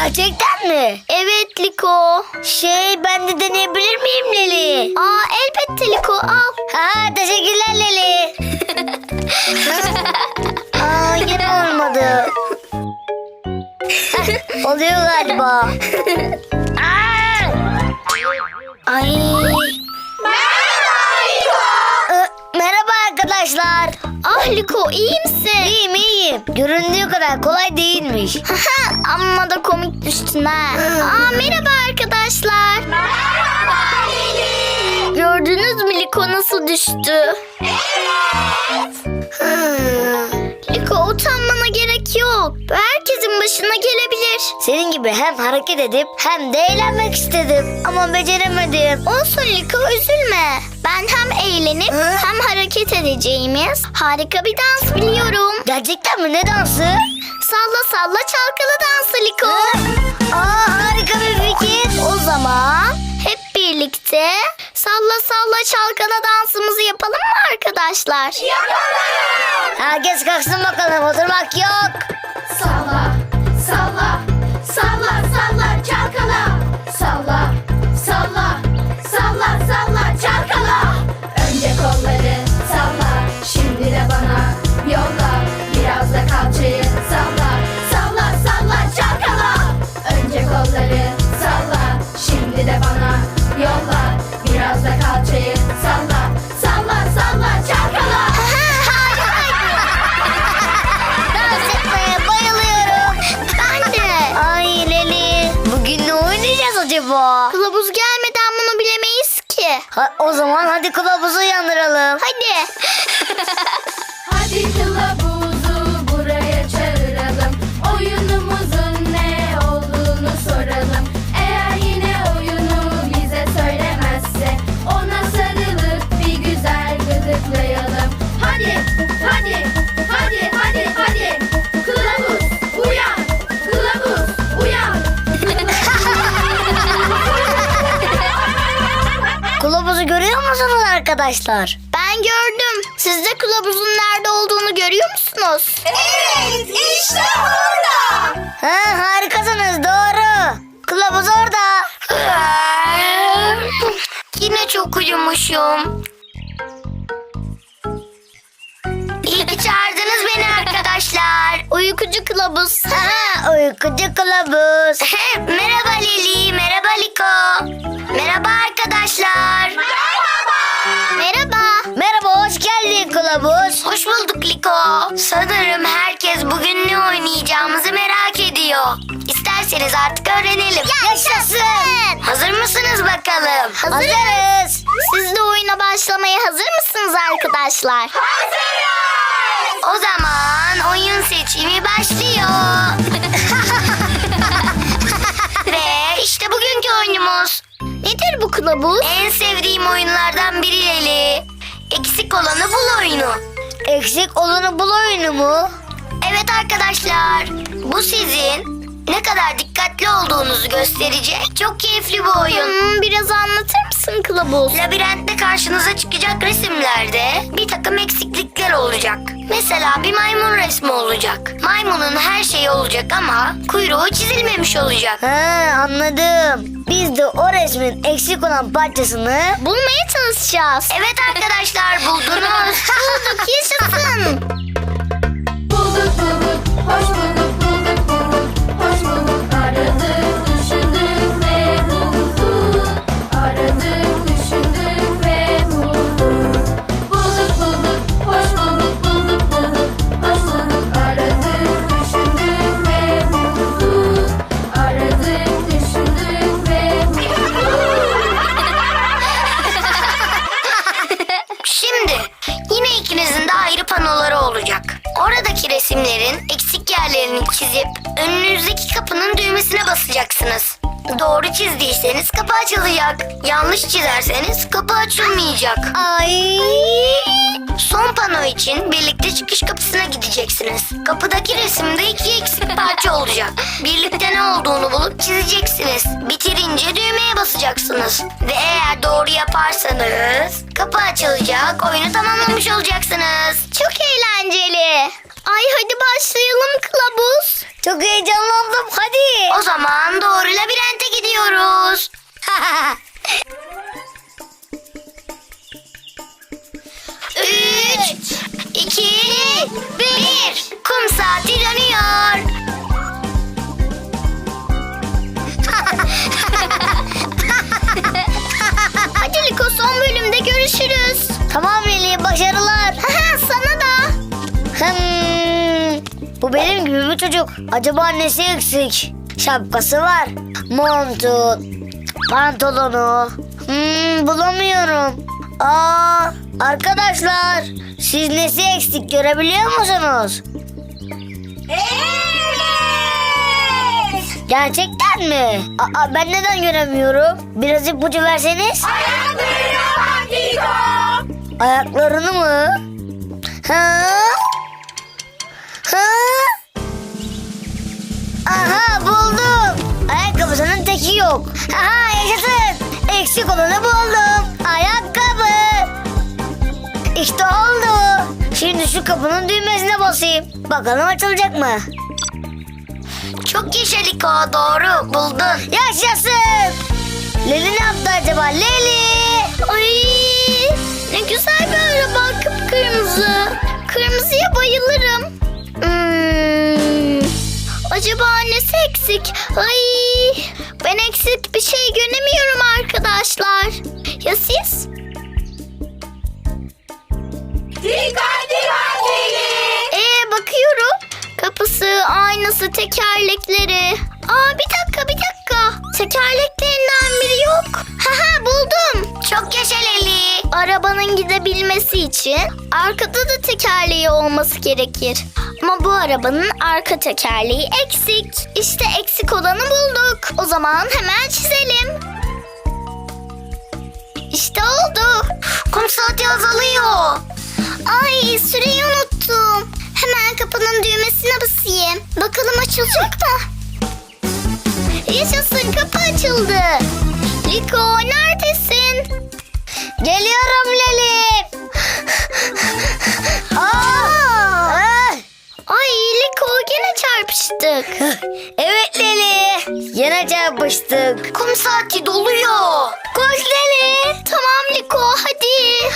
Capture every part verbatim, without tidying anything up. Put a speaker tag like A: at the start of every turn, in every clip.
A: Gerçekten mi?
B: Evet Liko.
A: Şey, ben de deneyebilir miyim Leli?
B: Aa elbette Liko, al.
A: Ha, teşekkürler Leli. Aa, yine olmadı. Oluyor galiba. Aa! Ay. Ee, merhaba arkadaşlar.
B: Ah Liko, iyi misin?
A: İyiyim iyiyim. Göründüğü kadar kolay değilmiş.
B: Amma da komik düştün ha. Aa merhaba arkadaşlar.
C: Merhaba Leli.
B: Gördünüz mü Liko nasıl düştü? Liko, utanmana gerek yok. Bu herkesin başına gelebilir.
A: Senin gibi hem hareket edip hem de eğlenmek istedim. Ama beceremedim.
B: Olsun Liko, üzülme. Ben hem eğlenip
A: Hı?
B: hem hareket edeceğimiz harika bir dans biliyorum.
A: Gerçekten mi? Ne dansı?
B: Salla salla çalkalı dansı Liko.
A: Aa, harika bir fikir.
B: O zaman hep birlikte salla salla çalkala dansımızı yapalım mı arkadaşlar?
A: Herkes kalksın bakalım. Oturmak yok.
C: Salla, salla, salla, salla, çalkala. Salla, salla, salla, salla, çalkala. Önce kolları salla, şimdi de bana yolla. Biraz da kalçayı salla, salla, salla, çalkala. Önce kolları salla, şimdi de bana yolla. Biraz da kalçayı salla, salla, salla, çalkala.
A: Dans etmeye bayılıyorum.
B: Ben de.
A: Ay Leli. Bugün ne oynayacağız acaba?
B: Kılavuz gelmeden bunu bilemeyiz ki.
A: Ha, o zaman hadi kılavuzu uyandıralım.
B: Hadi.
C: Hadi kılavuzu buraya çağıralım. Oyunumuzun ne olduğunu soralım. Eğer yine oyunu bize söylemezse ona sarılıp bir güzel gıdıklayalım. Hadi, hadi, hadi, hadi, hadi. Kılavuz uyan, kılavuz uyan.
A: Kılavuzu görüyor musunuz arkadaşlar?
B: Ben gördüm. Siz de kılavuzun nerede olduğunu görüyor musunuz?
C: Evet, işte orada.
A: Ha, harikasınız, doğru. Kılavuz orada.
B: Yine çok uyumuşum. İyi ki çağırdınız beni arkadaşlar. Uykucu kılavuz.
A: Ha, uykucu kılavuz.
B: Merhaba Leli, merhaba Liko. Merhaba arkadaşlar.
C: Merhaba.
B: Merhaba.
A: Merhaba, hoş geldin kılavuz.
B: Hoş bulduk Liko. Sanırım herkes bugün ne oynayacağımızı merak ediyor. İsterseniz artık öğrenelim.
A: Yaşasın.
B: Hazır mısınız bakalım?
A: Hazırız.
B: Siz de oyuna başlamaya hazır mısınız arkadaşlar?
C: Hazırız.
B: O zaman oyun seçimi başlıyor. Ve işte bugünkü oyunumuz. Nedir bu kılavuz? En sevdiğim oyunlardan biri Leli. Eksik olanı bul oyunu.
A: Eksik olanı bul oyunu mu?
B: Evet arkadaşlar, bu sizin ne kadar dikkatli olduğunuzu gösterecek çok keyifli bir oyun. biraz anlatır mısın kılavuz? Labirentte karşınıza çıkacak resimlerde bir takım eksiklikler olacak. Mesela bir maymun resmi olacak. Maymunun her şeyi olacak ama kuyruğu çizilmemiş olacak.
A: Ha, anladım. Biz de o resmin eksik olan parçasını
B: bulmaya çalışacağız. Evet arkadaşlar, buldunuz. Bulduk, yaşasın.
C: Bulduk bulduk, hoş bulduk, bulduk bulduk, hoş bulduk. Aradık, düşündük ve bulduk. Aradık, düşündük ve bulduk. Bulduk bulduk, hoş bulduk, bulduk bulduk, hoş bulduk. Aradık, düşündük ve bulduk. Aradık, düşündük ve bulduk.
B: Şimdi yine ikinizin de ayrı panoları olacak. Oradaki resimlerin eksik yerlerini çizip önünüzdeki kapının düğmesine basacaksınız. Doğru çizdiyseniz kapı açılacak. Yanlış çizerseniz kapı açılmayacak.
A: Ay.
B: Son pano için birlikte çıkış kapısına gideceksiniz. Kapıdaki resimde iki eksik parça olacak. Birlikte ne olduğunu bulup çizeceksiniz. Bitirince düğmeye basacaksınız. Ve eğer doğru yaparsanız kapı açılacak, oyunu tamamlamış olacaksınız. Çok eğlenceli. Ay hadi başlayalım kılavuz.
A: Çok heyecanlandım. Hadi.
B: O zaman doğru labirente gidiyoruz. Üç, iki, bir. Kum saati dönüyor. Hadi Liko, son bölümde görüşürüz.
A: Tamam Leli, başarılar.
B: Sana da.
A: Hmm, bu benim gibi bir çocuk. Acaba nesi eksik? Şapkası var. Montu, pantolonu. Hmm, bulamıyorum. Aa, arkadaşlar, siz nesi eksik görebiliyor musunuz? Gerçekten mi? Aa, ben neden göremiyorum? Biraz ipucu verseniz. Ayaklarını mı? Ha? Ha? Aha, buldum. Ayakkabısının teki yok. Aha, yaşasın. Eksik olanı buldum. Ayakkabı. İşte oldu. Şimdi şu kapının düğmesine basayım. Bakalım açılacak mı?
B: Çok yaşa Liko, doğru buldun.
A: Yaşasın. Leli ne yaptı acaba? Leli.
B: Ay, ne güzel bir araba, kıpkırmızı. Kırmızıya bayılırım. Hmm, acaba nesi eksik? Ay, ben eksik bir şey göremiyorum arkadaşlar. Ya siz?
C: Dikkat dikkat Leli.
B: Ee, bakıyorum. Kapısı, aynası, tekerlekleri. Aa, bir dakika bir dakika. Tekerleklerinden biri yok. Haha, buldum. Çok yaşa Leli. Arabanın gidebilmesi için arkada da tekerleği olması gerekir. Ama bu arabanın arka tekerleği eksik. İşte eksik olanı bulduk. O zaman hemen çizelim. İşte oldu. Kum saati azalıyor. Ay, süreyi unuttum. Hemen kapının düğmesine basayım. Bakalım açılacak mı? Yaşasın, kapı açıldı. Liko, neredesin?
A: Geliyorum Leli. Aa! Ah!
B: Ay Liko, gene çarpıştık.
A: Evet Leli. Yine çarpıştık.
B: Kum saati doluyor.
A: Koş Leli.
B: Tamam Liko, hadi.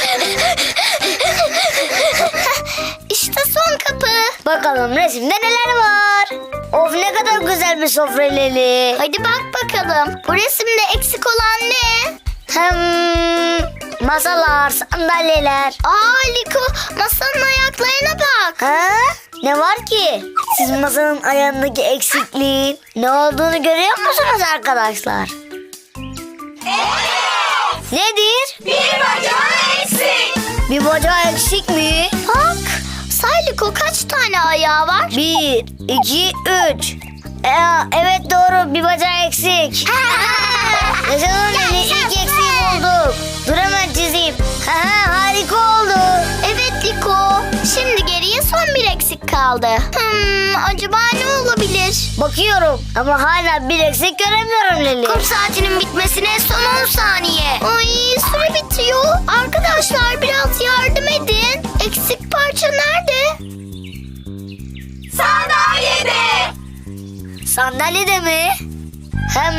B: İşte son kapı.
A: Bakalım resimde neler var. Of, ne kadar güzel bir sofra Leli.
B: Hadi bak bakalım. Bu resimde eksik olan ne?
A: Hem masalar, sandalyeler.
B: Aa Liko, masanın ayaklarına bak.
A: Ha? Ne var ki? Siz masanın ayağındaki eksikliğin ne olduğunu görüyor musunuz arkadaşlar? Evet. Nedir?
C: Bir bacağı eksik.
A: Bir bacağı eksik mi?
B: Bak, say Liko, kaç tane ayağı var?
A: Bir, iki, üç. Ee, evet doğru, bir bacağı eksik. Yaşasın Leli, ilk eksiği bulduk. Dur hemen çizeyim. Ha, harika oldu.
B: Evet Liko, şimdi geriye son bir eksik kaldı. Hmm, acaba ne olabilir?
A: Bakıyorum ama hala bir eksik göremiyorum Leli.
B: Kum saatinin bitmesine son on saniye. Ay, süre bitiyor. Arkadaşlar, biraz yardım edin. Eksik parça nerede?
C: Sandalyede.
A: Sandalyede mi? Hem...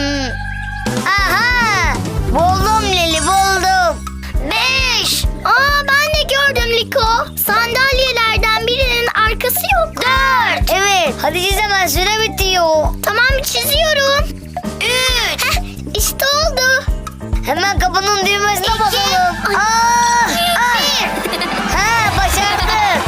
A: Aha! Buldum Leli, buldum.
B: Beş. Aa, ben de gördüm Liko. Sandalyelerden birinin arkası yok. Dört.
A: Evet, hadi çiz hemen, süre bitiyor.
B: Tamam, çiziyorum. Üç. Heh, işte oldu.
A: Hemen kapının düğmesine
B: İki.
A: basalım.
B: Ay.
A: Aa, ah.
B: Bir.
A: Ha, başardık.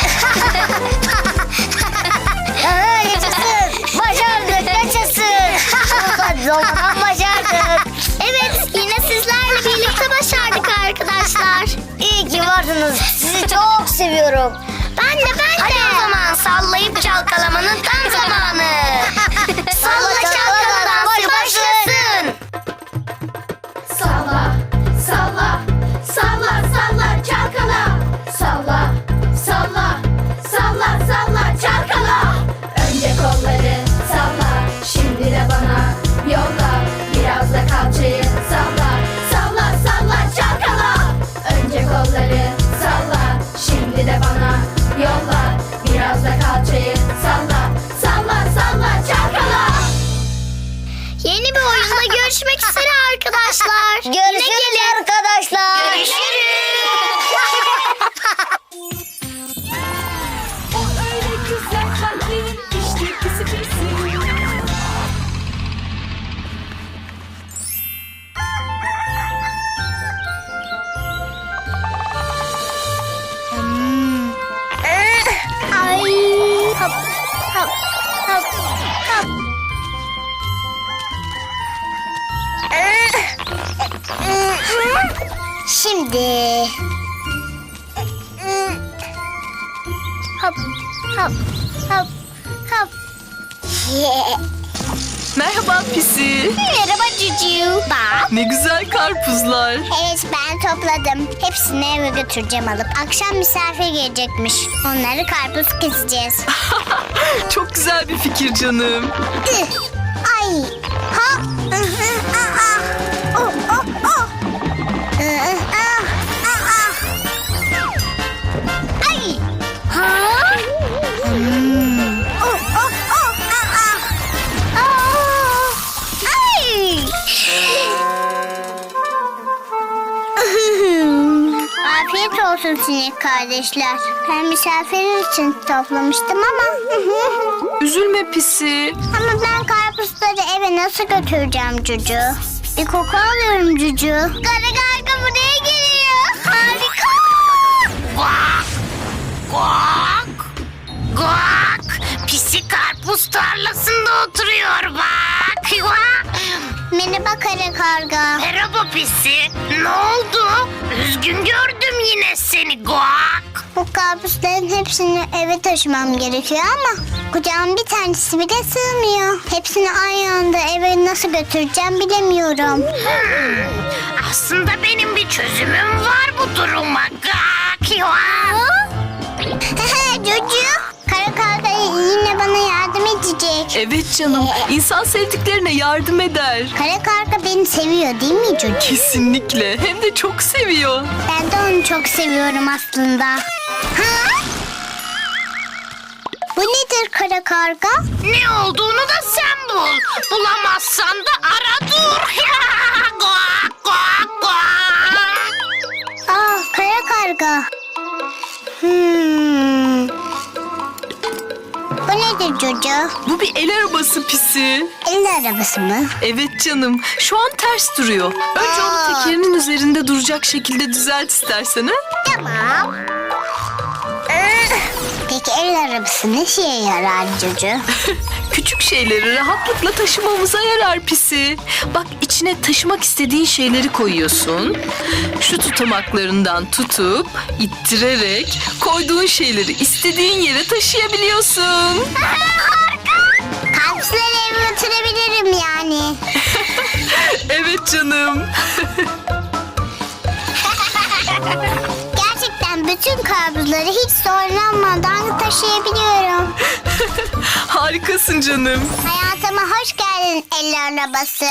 A: Ha, yaşasın. Başardık, yaşasın. Zaman başardık.
B: Evet, yine sizlerle birlikte başardık arkadaşlar.
A: İyi ki varsınız. Sizi çok seviyorum.
B: Ben de ben de. Hadi o zaman sallayıp çalkalamanın tam zamanı. Salla çalkala dansı başlasın.
C: Salla, salla, salla, salla, çalkala. Salla, salla, salla, salla, çalkala. Önce kolları salla, şimdi de bana yolla. Biraz da kalçayı salla, salla, salla, çalkala. Önce kolları salla, şimdi de bana
B: görüşmek üzere arkadaşlar.
A: Görüşürüz arkadaşlar.
B: Görüşürüz.
C: O öyle güzel kalplerin işte pisi pisi.
A: Ay. Hop hop hop hop. Şimdi. Hop hop hop hop.
D: Merhaba Pisi.
A: Merhaba Cucu. Bak.
D: Ne güzel karpuzlar.
A: Evet ben topladım. Hepsini eve götüreceğim alıp. Akşam misafir gelecekmiş. Onları karpuz keseceğiz.
D: Çok güzel bir fikir canım.
A: Ih, Ay. Ha. Ih, ih, ah, ah. Oh, oh, oh. Ih, ih, ah, ah, ah. Ay. Ha. Hmm. Oh, oh, oh, ah, ah. Aa. Ay. Afiyet olsun sinek kardeşler. Ben misafirin için toplamıştım ama.
D: Üzülme Pisi.
A: Ama ben karpuzları eve nasıl götüreceğim Cucu? Bir koku alıyorum Cucu. Kara karga buraya geliyor. Harika.
B: Guak! Guak! Guak! Pisi karpuz tarlasında oturuyor bak. Guak!
A: Merhaba kara karga.
B: Merhaba Pisi. Ne oldu? Üzgün gördüm yine seni Guak.
A: Bu karpuzların hepsini eve taşımam gerekiyor ama kucağım bir tanesi bile sığmıyor. Hepsini aynı anda eve nasıl götüreceğim bilemiyorum.
B: Hmm, aslında benim bir çözümüm var bu duruma. Guak! Guak!
A: Cucu, kara karga yine bana yardım edecek.
D: Evet canım. İnsan sevdiklerine yardım eder.
A: Kara karga beni seviyor değil mi Cucu?
D: Kesinlikle. Hem de çok seviyor.
A: Ben de onu çok seviyorum aslında. Ha? Bu nedir kara karga?
B: Ne olduğunu da sen bul. Bulamazsan da ara dur. Guak! Guak! Guak!
A: Aa kara karga. Hmm. Bu nedir Cucu?
D: Bu bir el arabası Pisi.
A: El arabası mı?
D: Evet canım. Şu an ters duruyor. Önce onu tekerinin üzerinde duracak şekilde düzelt istersen. Ha?
A: Tamam. Peki el arabası ne şeye yarar Cucu?
D: Küçük şeyleri rahatlıkla taşımamıza yarar Pisi. Bak içine taşımak istediğin şeyleri koyuyorsun. Şu tutamaklarından tutup ittirerek koyduğun şeyleri istediğin yere taşıyabiliyorsun.
A: Karpuzları eve götürebilirim yani.
D: Evet canım.
A: Gerçekten bütün karpuzları hiç zorlanmadan taşıyabiliyorum.
D: Harikasın canım.
A: Hayatıma hoş geldin el arabası.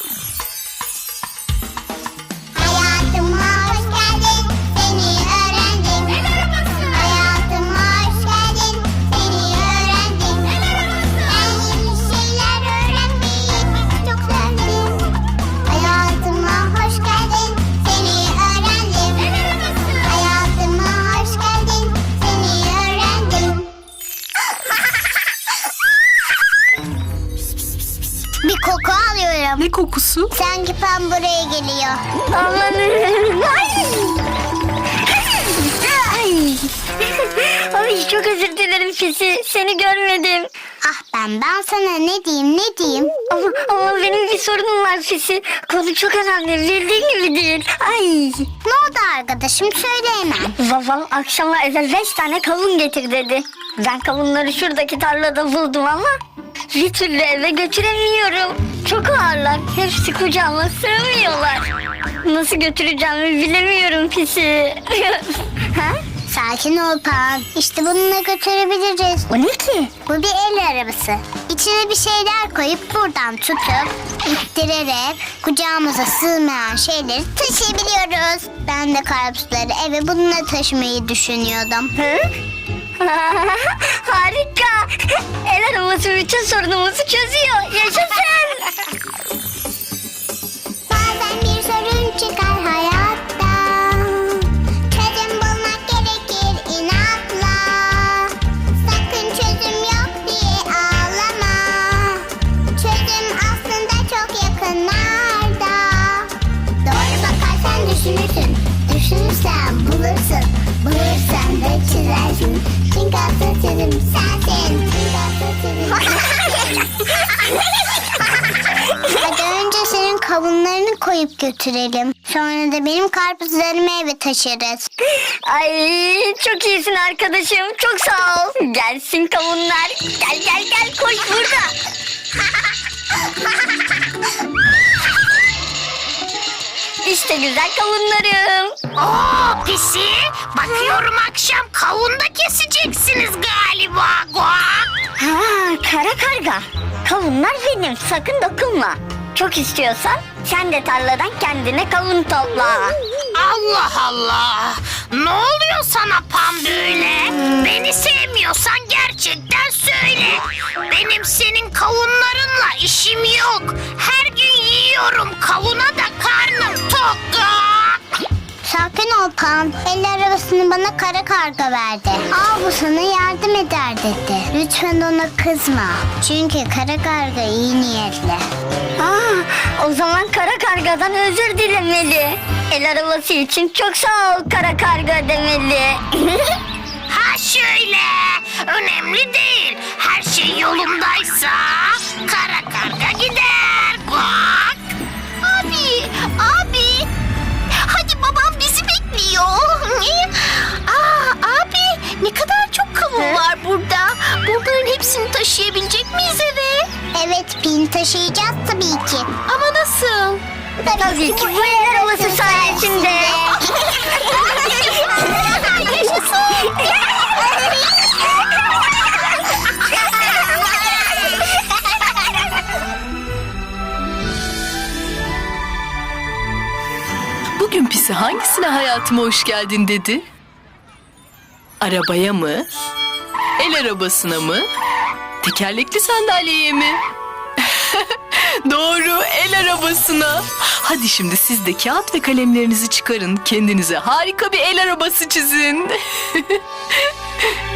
A: Hayatıma hoş geldin, seni öğrendim. El arabası. Hayatıma hoş geldin, seni öğrendim. El arabası. Ben yeni şeyler öğrenmeyi çok sevdim. Hayatıma hoş geldin, seni öğrendim. El arabası. Hayatıma hoş geldin, seni öğrendim. Bir koku alıyorum.
D: Ne kokusu?
A: Sanki Pam buraya geliyor. Aman. Ay. Ay.
B: Ay çok özür dilerim Pisi. Seni görmedim.
A: Ah ben ben sana ne diyeyim ne diyeyim.
B: Ama, ama benim bir sorunum var Pisi. Konu çok önemli. Bildiğin gibi değil. Ay.
A: Ne oldu arkadaşım söyle hemen.
B: Babam akşama eve beş tane kavun getir dedi. Ben kavunları şuradaki tarlada buldum ama bir türlü eve götüremiyorum. Çok ağırlar. Hepsi kucağıma sığmıyorlar. Nasıl götüreceğimi bilemiyorum Pisi. Ha?
A: Sakin ol Pam. İşte bununla götürebiliriz.
B: O ne ki?
A: Bu bir el arabası. İçine bir şeyler koyup buradan tutup ittirerek kucağımıza sığmayan şeyleri taşıyabiliyoruz. Ben de karpuzları eve bununla taşımayı düşünüyordum.
B: Hı? Harika. El arabası bütün sorunumuzu çözüyor. Yaşasın.
E: sorun çıkar hayatta. Çözüm bulmak gerekir inatla. Sakın çözüm yok diye ağlama. Çözüm aslında çok yakınlarda. Doğru bakarsan düşünürsün. Düşünürsen bulursun. Bulursan da çizersin. Çünkü asıl çözüm sensin. Çünkü asıl çözüm Hadi önce senin kavunlarını koyup götürelim. Sonra da benim karpuzlarımı eve taşırız.
B: Ay çok iyisin arkadaşım. Çok sağ ol. Gelsin kavunlar. Gel gel gel koş burada. İşte güzel kavunlarım.
F: Oo pisi, bakıyorum akşam kavun da keseceksiniz galiba. Guak.
B: Ha, kara karga. Kavunlar benim. Sakın dokunma. Çok istiyorsan sen de tarladan kendine kavun topla.
F: Allah Allah. Ne oluyor sana Pam böyle? Beni sevmiyorsan gerçekten söyle. Benim senin kavunlarınla işim yok. Her gün yiyorum kavuna da karnım tok.
E: Sakin ol Pan. El arabasını bana kara karga verdi. Al bu sana yardım eder dedi. Lütfen ona kızma. Çünkü kara karga iyi niyetli.
B: Aa, o zaman kara kargadan özür dilemeli. El arabası için çok sağ ol kara karga demeli.
F: Ha şöyle. Önemli değil. Her şey yolundaysa kara karga gider. Guak.
E: Abi, abi. Hadi babam bizi bekliyor. Aa, abi ne kadar çok kavun var burada. Bunların hepsini taşıyabilecek miyiz eve? Evet Pin, taşıyacağız tabii ki. Ama nasıl?
B: Tabii ki bu el arabası sayesinde.
D: Bugün Pisi hangisine hayatıma hoş geldin dedi? Arabaya mı? El arabasına mı? Tekerlekli sandalyeye mi? Doğru, el arabasına. Hadi şimdi siz de kağıt ve kalemlerinizi çıkarın. Kendinize harika bir el arabası çizin.